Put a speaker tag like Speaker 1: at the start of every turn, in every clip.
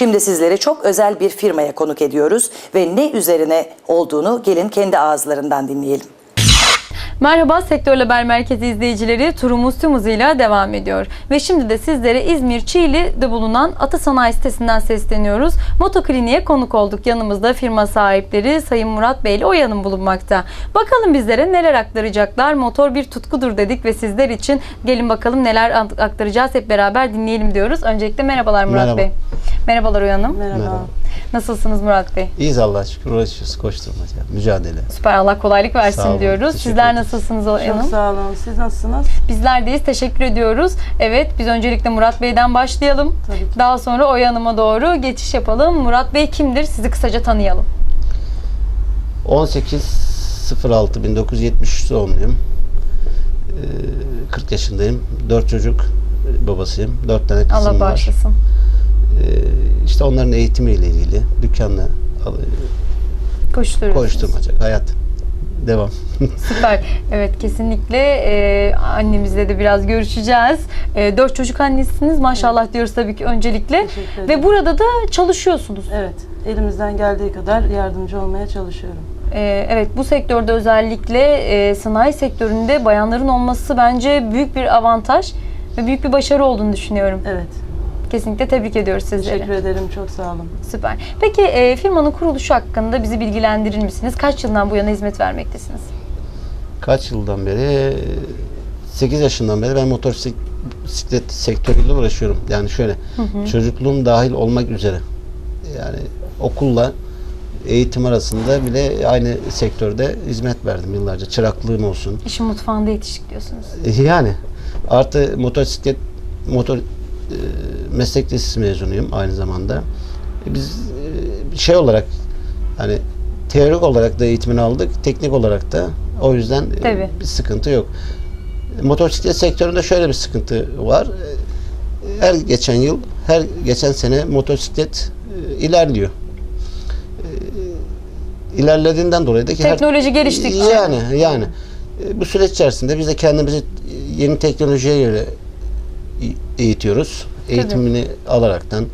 Speaker 1: Şimdi sizleri çok özel bir firmaya konuk ediyoruz ve ne üzerine olduğunu gelin kendi ağızlarından dinleyelim.
Speaker 2: Merhaba Sektör Haber Merkezi izleyicileri, turumuz tüm hızıyla devam ediyor. Ve şimdi de sizlere İzmir Çiğli'de bulunan Ata Sanayi sitesinden sesleniyoruz. Motokliniğe konuk olduk. Yanımızda firma sahipleri Sayın Murat Bey ile Oya Hanım bulunmakta. Bakalım bizlere neler aktaracaklar. Motor bir tutkudur dedik ve sizler için gelin bakalım neler aktaracağız, hep beraber dinleyelim diyoruz. Öncelikle merhabalar Murat
Speaker 3: Merhaba.
Speaker 2: Bey. Merhabalar Oya Hanım.
Speaker 4: Merhaba.
Speaker 2: Nasılsınız Murat Bey?
Speaker 3: İyiyiz Allah'a şükür, uğraşıyoruz, koşturmaca, mücadele.
Speaker 2: Süper, Allah kolaylık
Speaker 3: Sağ
Speaker 2: versin
Speaker 3: olun,
Speaker 2: diyoruz.
Speaker 3: teşekkür
Speaker 2: Sizler
Speaker 3: ederiz.
Speaker 2: nasılsınız Oya Hanım?
Speaker 4: Çok sağ olun. Siz nasılsınız?
Speaker 2: Bizler deyiz. Teşekkür ediyoruz. Evet, biz öncelikle Murat Bey'den başlayalım.
Speaker 4: Tabii ki.
Speaker 2: Daha sonra Oya Hanım'a doğru geçiş yapalım. Murat Bey kimdir? Sizi kısaca tanıyalım.
Speaker 3: 18.06.1973 doğumluyum. 40 yaşındayım. 4 çocuk babasıyım. 4 tane kızım
Speaker 2: Allah
Speaker 3: var.
Speaker 2: bağışlasın.
Speaker 3: İşte onların eğitimiyle ilgili dükkanla
Speaker 2: Koşturuyorsunuz.
Speaker 3: koşturmaca, hayat devam.
Speaker 2: Süper. Evet, kesinlikle annemizle de biraz görüşeceğiz. 4 çocuk annesiniz. Maşallah diyoruz tabii ki öncelikle.
Speaker 4: Teşekkür
Speaker 2: Ve
Speaker 4: ederim.
Speaker 2: burada da çalışıyorsunuz.
Speaker 4: Evet. Elimizden geldiği kadar yardımcı olmaya çalışıyorum.
Speaker 2: Evet, bu sektörde özellikle sanayi sektöründe bayanların olması bence büyük bir avantaj ve büyük bir başarı olduğunu düşünüyorum.
Speaker 4: Evet.
Speaker 2: Kesinlikle tebrik ediyoruz sizleri.
Speaker 4: Teşekkür ederim. Çok sağ olun.
Speaker 2: Süper. Peki firmanın kuruluşu hakkında bizi bilgilendirir misiniz? Kaç yıldan bu yana hizmet vermektesiniz?
Speaker 3: Kaç yıldan beri? 8 yaşından beri ben motosiklet sektörüyle uğraşıyorum. Yani şöyle, çocukluğum dahil olmak üzere. Yani okulla eğitim arasında bile aynı sektörde hizmet verdim yıllarca. Çıraklığım olsun.
Speaker 2: İşin mutfağında yetiştik diyorsunuz.
Speaker 3: Yani artı motor meslek lisesi mezunuyum aynı zamanda. Biz şey olarak, hani teorik olarak da eğitimini aldık, teknik olarak da, o yüzden
Speaker 2: Tabii.
Speaker 3: bir sıkıntı yok. Motosiklet sektöründe şöyle bir sıkıntı var. Her geçen yıl, her geçen sene motosiklet ilerliyor. İlerlediğinden dolayı da ki
Speaker 2: Teknoloji geliştikçe.
Speaker 3: yani bu süreç içerisinde biz de kendimizi yeni teknolojiye göre eğitiyoruz. Eğitimini alaraktan,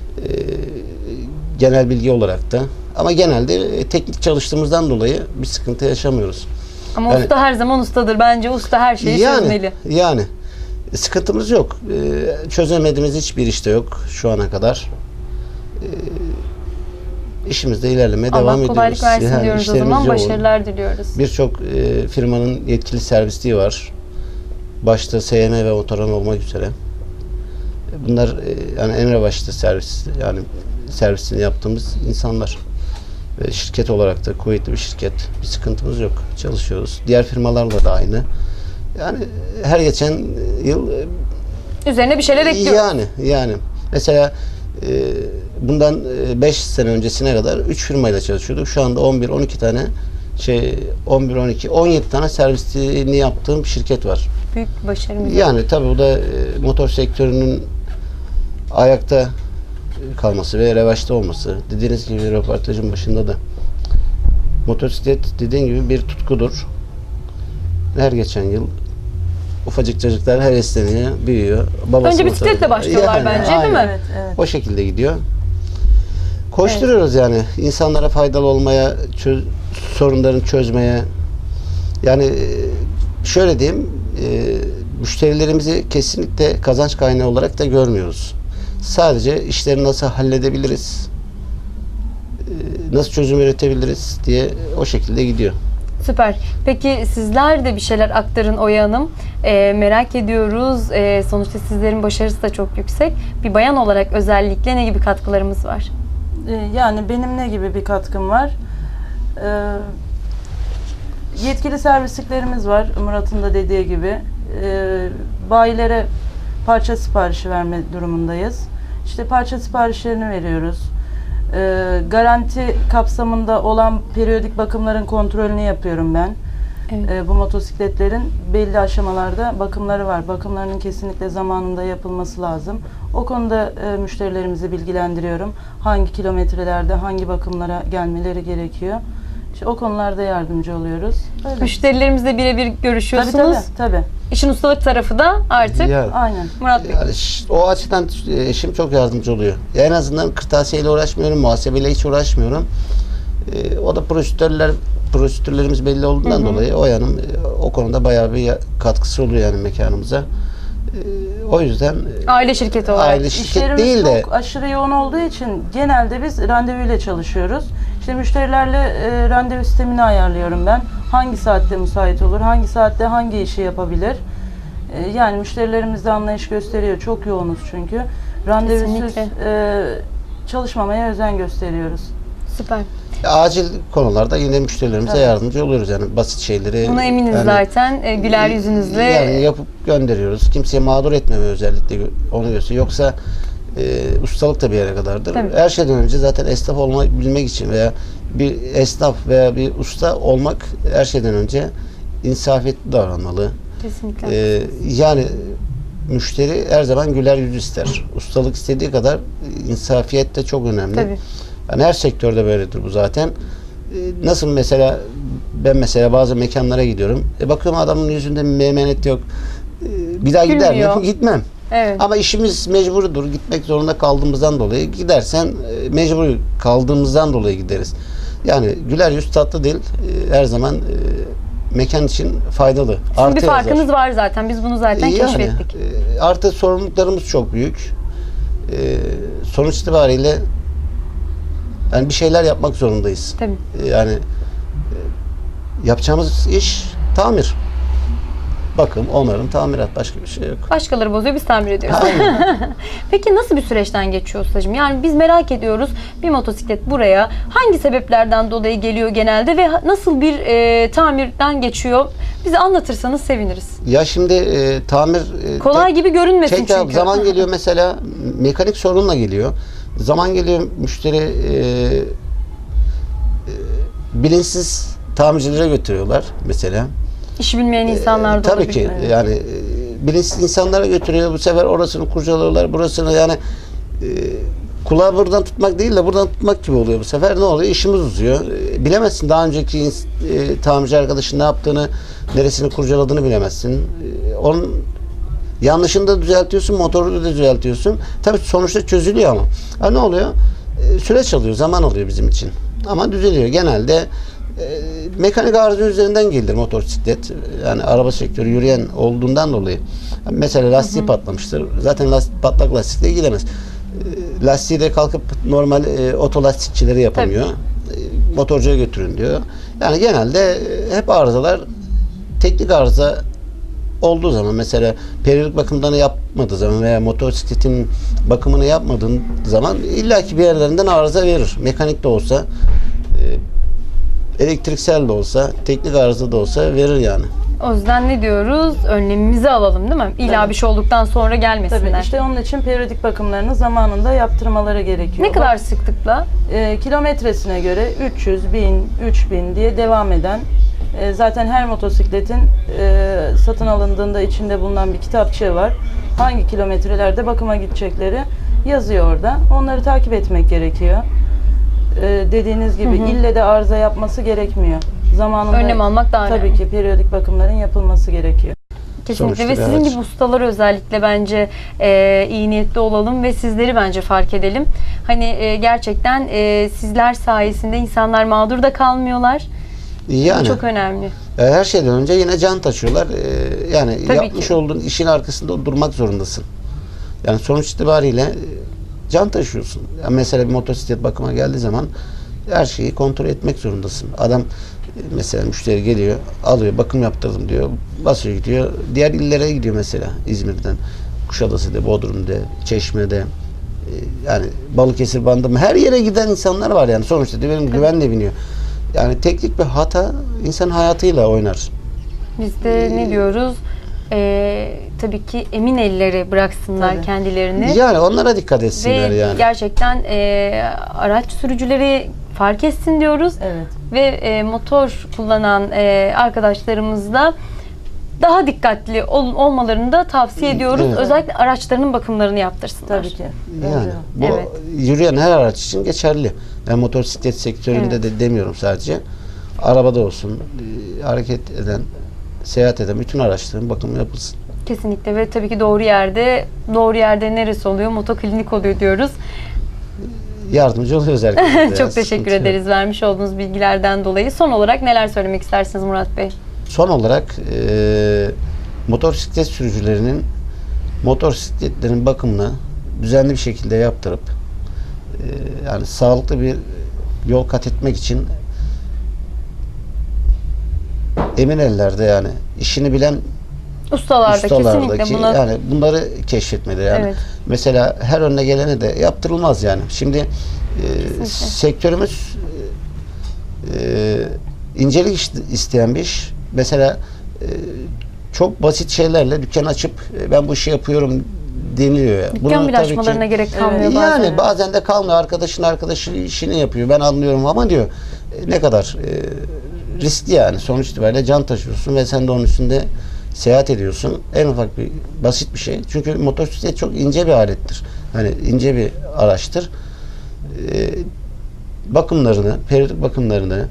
Speaker 3: genel bilgi olarak da, ama genelde teknik çalıştığımızdan dolayı bir sıkıntı yaşamıyoruz.
Speaker 2: Ama
Speaker 3: Yani-
Speaker 2: usta her zaman ustadır. Bence usta her şeyi çözmeli.
Speaker 3: Yani sıkıntımız yok. Çözemediğimiz hiçbir işte yok şu ana kadar. İşimizde ilerlemeye devam
Speaker 2: Allah
Speaker 3: ediyoruz.
Speaker 2: kolaylık versin diyoruz o
Speaker 3: işlerimiz
Speaker 2: zaman.
Speaker 3: yoğun.
Speaker 2: Başarılar diliyoruz.
Speaker 3: Birçok firmanın yetkili servisliği var. Başta SYM ve Otoran olmak üzere. Bunlar yani en revaçta servisini yaptığımız insanlar. Ve şirket olarak da kuvvetli bir şirket. Bir sıkıntımız yok. Çalışıyoruz. Diğer firmalarla da aynı. Yani her geçen yıl
Speaker 2: Üzerine bir şeyler ekliyoruz.
Speaker 3: yani mesela bundan 5 sene öncesine kadar 3 firmayla çalışıyorduk. Şu anda 11-12 tane 17 tane servisini yaptığım şirket var.
Speaker 2: Büyük bir başarımız.
Speaker 3: Yani tabii bu da motor sektörünün ayakta kalması ve revaçta olması. Dediğiniz gibi röportajın başında da motosiklet dediğin gibi bir tutkudur. Her geçen yıl ufacık çocuklar hevesleniyor, büyüyor. Babası
Speaker 2: Önce bisikletle başlıyorlar bence, değil mi?
Speaker 4: Evet, evet.
Speaker 3: O şekilde gidiyor. Koşturuyoruz yani. İnsanlara faydalı olmaya, sorunlarını çözmeye. Yani şöyle diyeyim, müşterilerimizi kesinlikle kazanç kaynağı olarak da görmüyoruz. Sadece işleri nasıl halledebiliriz, nasıl çözüm üretebiliriz diye o şekilde gidiyor.
Speaker 2: Süper. Peki sizler de bir şeyler aktarın Oya Hanım. Merak ediyoruz. Sonuçta sizlerin başarısı da çok yüksek. Bir bayan olarak özellikle ne gibi katkılarımız var?
Speaker 4: Yani benim ne gibi bir katkım var? Yetkili servisliklerimiz var. Murat'ın da dediği gibi. Bayilere parça siparişi verme durumundayız. İşte parça siparişlerini veriyoruz. Garanti kapsamında olan periyodik bakımların kontrolünü yapıyorum ben.
Speaker 2: Evet.
Speaker 4: Bu motosikletlerin belli aşamalarda bakımları var. Bakımlarının kesinlikle zamanında yapılması lazım. O konuda müşterilerimizi bilgilendiriyorum. Hangi kilometrelerde hangi bakımlara gelmeleri gerekiyor. İşte o konularda yardımcı oluyoruz. Öyle.
Speaker 2: Müşterilerimizle birebir görüşüyorsunuz.
Speaker 4: Tabii.
Speaker 2: İşin ustalık tarafı da artık
Speaker 3: Yani,
Speaker 4: Aynen.
Speaker 2: Murat Bey.
Speaker 3: yani o açıdan eşim çok yardımcı oluyor. En azından kırtasiyeyle uğraşmıyorum, muhasebeyle hiç uğraşmıyorum. O da prosedürlerimiz belli olduğundan dolayı o yanım o konuda bayağı bir katkısı oluyor yani mekanımıza. O yüzden
Speaker 2: Aile şirketi olarak.
Speaker 3: aile şirket
Speaker 4: İşlerimiz
Speaker 3: değil de
Speaker 4: çok aşırı yoğun olduğu için genelde biz randevuyla çalışıyoruz. İşte müşterilerle randevu sistemini ayarlıyorum ben. Hangi saatte müsait olur, hangi saatte hangi işi yapabilir. Yani müşterilerimiz de anlayış gösteriyor. Çok yoğunuz çünkü. Randevusuz
Speaker 2: Kesinlikle.
Speaker 4: çalışmamaya özen gösteriyoruz.
Speaker 2: Süper.
Speaker 3: acil konularda yine müşterilerimize yardımcı oluyoruz yani basit şeyleri.
Speaker 2: Buna eminiz
Speaker 3: yani,
Speaker 2: zaten. Güler yüzünüzle.
Speaker 3: Yani yapıp gönderiyoruz. Kimseye mağdur etmeme özellikle onu gösteriyor. Yoksa ustalık da bir yere kadardır.
Speaker 2: Tabii.
Speaker 3: Her şeyden önce zaten esnaf bilmek için veya bir esnaf veya bir usta olmak her şeyden önce insafiyetli davranmalı.
Speaker 2: Kesinlikle.
Speaker 3: Yani müşteri her zaman güler yüz ister. Ustalık istediği kadar insafiyet de çok önemli.
Speaker 2: Tabii.
Speaker 3: Yani her sektörde böyledir bu zaten. Nasıl mesela ben bazı mekanlara gidiyorum. Bakıyorum adamın yüzünde bir meymenet yok. Bir daha gider
Speaker 2: Gülmüyor.
Speaker 3: miyim? Gitmem.
Speaker 2: Evet.
Speaker 3: Ama işimiz mecburudur. Gitmek zorunda kaldığımızdan dolayı gidersen mecbur kaldığımızdan dolayı gideriz. Yani güler yüz tatlı dil her zaman mekan için faydalı.
Speaker 2: Sizin bir farkınız var zaten. Biz bunu zaten keşfettik.
Speaker 3: Artı sorumluluklarımız çok büyük. Sonuç itibariyle yani bir şeyler yapmak zorundayız.
Speaker 2: Tabii.
Speaker 3: Yani yapacağımız iş tamir. Bakım, onarım, tamirat, başka bir şey yok.
Speaker 2: Başkaları bozuyor, biz tamir ediyoruz. Peki nasıl bir süreçten geçiyor ustacığım? Yani biz merak ediyoruz. Bir motosiklet buraya hangi sebeplerden dolayı geliyor genelde ve nasıl bir tamirden geçiyor? Bize anlatırsanız seviniriz.
Speaker 3: Ya şimdi tamir
Speaker 2: Kolay gibi görünmesin
Speaker 3: tekrar
Speaker 2: çünkü.
Speaker 3: zaman geliyor mesela mekanik sorunla geliyor. Zaman geliyor müşteri bilinçsiz tamircilere götürüyorlar mesela.
Speaker 2: İşi bilmeyen insanlar da
Speaker 3: Tabii
Speaker 2: olabilir.
Speaker 3: ki yani bilinçsiz insanlara götürüyor. Bu sefer orasını kurcalıyorlar, burasını yani kulağı buradan tutmak değil de buradan tutmak gibi oluyor bu sefer. Ne oluyor? İşimiz uzuyor. Bilemezsin daha önceki tamirci arkadaşın ne yaptığını, neresini kurcaladığını bilemezsin. Onun yanlışını da düzeltiyorsun, motoru da düzeltiyorsun. Tabii sonuçta çözülüyor ama. Ha, ne oluyor? Süreç alıyor, zaman alıyor bizim için. Ama düzeliyor. Genelde mekanik arıza üzerinden gelir motosiklet. Yani araba sektörü yürüyen olduğundan dolayı. Mesela lastiği patlamıştır. Zaten patlak lastikle gidemez. Lastiği de kalkıp normal otolastikçileri yapamıyor. Motorcuya götürün diyor. Yani genelde hep arızalar teknik arıza olduğu zaman mesela periyodik bakımlarını yapmadığı zaman veya motosikletin bakımını yapmadığın zaman illaki bir yerlerinden arıza verir. Mekanik de olsa elektriksel de olsa, teknik arıza da olsa verir yani.
Speaker 2: O yüzden ne diyoruz? Önlemimizi alalım değil mi? İlla
Speaker 4: Tabii.
Speaker 2: bir şey olduktan sonra gelmesinler.
Speaker 4: Tabii işte onun için periyodik bakımlarını zamanında yaptırmaları gerekiyor.
Speaker 2: Ne kadar sıklıkla?
Speaker 4: Kilometresine göre 300, 1000, 3000 diye devam eden zaten her motosikletin satın alındığında içinde bulunan bir kitapçığı var. Hangi kilometrelerde bakıma gidecekleri yazıyor orada. Onları takip etmek gerekiyor. Dediğiniz gibi ille de arıza yapması gerekmiyor. Zamanında
Speaker 2: Önlem almak daha önemli.
Speaker 4: tabii ki periyodik bakımların yapılması gerekiyor.
Speaker 2: Kesinlikle
Speaker 3: Sonuçta
Speaker 2: ve
Speaker 3: bir
Speaker 2: sizin
Speaker 3: araç.
Speaker 2: gibi ustalar özellikle bence iyi niyetli olalım ve sizleri bence fark edelim. Hani gerçekten sizler sayesinde insanlar mağdur da kalmıyorlar.
Speaker 3: Yani
Speaker 2: Bu çok önemli.
Speaker 3: her şeyden önce yine can taşıyorlar. Yani
Speaker 2: Tabii
Speaker 3: yapmış
Speaker 2: ki.
Speaker 3: olduğun işin arkasında durmak zorundasın. Yani sonuç itibariyle can taşıyorsun. Yani mesela bir motosiklet bakıma geldiği zaman her şeyi kontrol etmek zorundasın. Adam mesela müşteri geliyor, alıyor, bakım yaptırdım diyor, basıyor gidiyor. Diğer illere gidiyor mesela İzmir'den, Kuşadası'da, Bodrum'da, Çeşme'de, yani Balıkesir bandı her yere giden insanlar var yani sonuçta diyor, benim güvenle biniyor. Yani teknik bir hata insan hayatıyla oynar.
Speaker 2: Biz de ne diyoruz? Tabii ki emin ellere bıraksınlar
Speaker 4: Tabii.
Speaker 2: kendilerini.
Speaker 3: Yani onlara dikkat etsinler
Speaker 2: Ve
Speaker 3: yani.
Speaker 2: gerçekten araç sürücüleri fark etsin diyoruz.
Speaker 4: Evet.
Speaker 2: Ve motor kullanan arkadaşlarımız da daha dikkatli olmalarını da tavsiye ediyoruz.
Speaker 3: Evet.
Speaker 2: Özellikle araçlarının bakımlarını yaptırsınlar.
Speaker 4: Tabii ki.
Speaker 3: Yani bu
Speaker 2: Evet.
Speaker 3: yürüyen her araç için geçerli. Yani motosiklet sektöründe
Speaker 2: Evet.
Speaker 3: de demiyorum sadece. Arabada olsun, hareket eden seyahat eden bütün araçların bakımı yapılsın.
Speaker 2: Kesinlikle ve tabii ki doğru yerde neresi oluyor? Motoklinik oluyor diyoruz.
Speaker 3: Yardımcı oluyoruz herkese.
Speaker 2: Çok teşekkür ederiz vermiş olduğunuz bilgilerden dolayı. Son olarak neler söylemek istersiniz Murat Bey?
Speaker 3: Son olarak motosiklet sürücülerinin motosikletlerin bakımını düzenli bir şekilde yaptırıp yani sağlıklı bir yol kat etmek için emin ellerde, yani işini bilen
Speaker 2: Ustalarda kesinlikle buna
Speaker 3: yani bunları keşfetmeli yani.
Speaker 2: Evet.
Speaker 3: Mesela her önüne gelene de yaptırılmaz yani. Şimdi sektörümüz incelik isteyen bir iş. Mesela çok basit şeylerle dükkan açıp ben bu işi yapıyorum deniliyor ya.
Speaker 2: dükkan bile açmalarına gerek kalmıyor bazen.
Speaker 3: Yani bazen de kalmıyor. Arkadaşı işini yapıyor. Ben anlıyorum ama diyor ne kadar riskli yani. Sonuç itibariyle can taşıyorsun ve sen de onun üstünde seyahat ediyorsun. En ufak bir basit bir şey. Çünkü motosiklet çok ince bir alettir. Hani ince bir araçtır. Bakımlarını, periyodik bakımlarını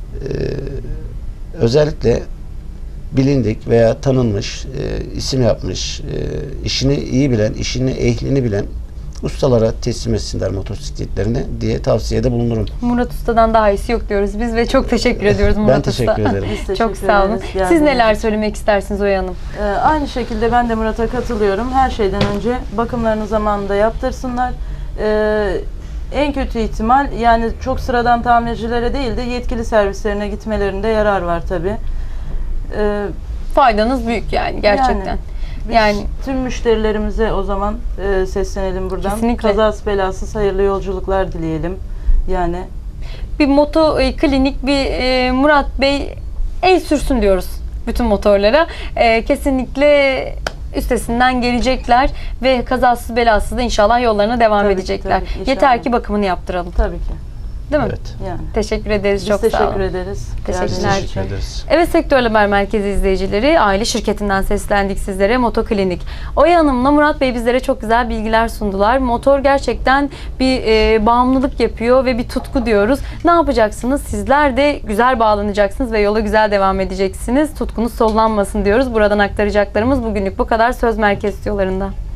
Speaker 3: özellikle bilindik veya tanınmış, isim yapmış, işini iyi bilen, işini ehlini bilen ustalara teslim etsinler motosikletlerini diye tavsiyede bulunurum.
Speaker 2: Murat Usta'dan daha iyisi yok diyoruz biz ve çok teşekkür ediyoruz Murat
Speaker 3: Ben teşekkür
Speaker 2: Usta.
Speaker 3: ederim.
Speaker 4: Biz teşekkür
Speaker 2: Çok sağ olun.
Speaker 4: ederiz.
Speaker 2: Siz neler söylemek istersiniz Oya Hanım?
Speaker 4: Aynı şekilde ben de Murat'a katılıyorum. Her şeyden önce bakımlarını zamanında yaptırsınlar. En kötü ihtimal yani çok sıradan tamircilere değil de yetkili servislerine gitmelerinde yarar var tabii.
Speaker 2: Faydanız büyük yani gerçekten.
Speaker 4: Biz
Speaker 2: Yani
Speaker 4: tüm müşterilerimize o zaman seslenelim buradan.
Speaker 2: Kesinlikle.
Speaker 4: Kazasız belasız hayırlı yolculuklar dileyelim. Yani
Speaker 2: bir moto klinik bir Murat Bey el sürsün diyoruz bütün motorlara. Kesinlikle üstesinden gelecekler ve kazasız belasız da inşallah yollarına devam
Speaker 4: Tabii ki,
Speaker 2: edecekler.
Speaker 4: tabii ki, inşallah.
Speaker 2: Yeter ki bakımını yaptıralım.
Speaker 4: tabii ki.
Speaker 2: Değil mi?
Speaker 3: Evet.
Speaker 4: Yani.
Speaker 2: Teşekkür ederiz.
Speaker 4: Biz
Speaker 2: Çok sağ
Speaker 4: teşekkür
Speaker 2: olun.
Speaker 4: ederiz.
Speaker 2: Teşekkürler.
Speaker 4: Geldiğiniz için.
Speaker 3: Teşekkür ederiz.
Speaker 2: Evet, Sektör Haber Merkezi izleyicileri, aile şirketinden seslendik sizlere, Motoklinik. Oya Hanım'la Murat Bey bizlere çok güzel bilgiler sundular. Motor gerçekten bir bağımlılık yapıyor ve bir tutku diyoruz. Ne yapacaksınız? Sizler de güzel bağlanacaksınız ve yola güzel devam edeceksiniz. Tutkunuz sollanmasın diyoruz. Buradan aktaracaklarımız bugünlük bu kadar. Söz Merkez Stüdyolarında.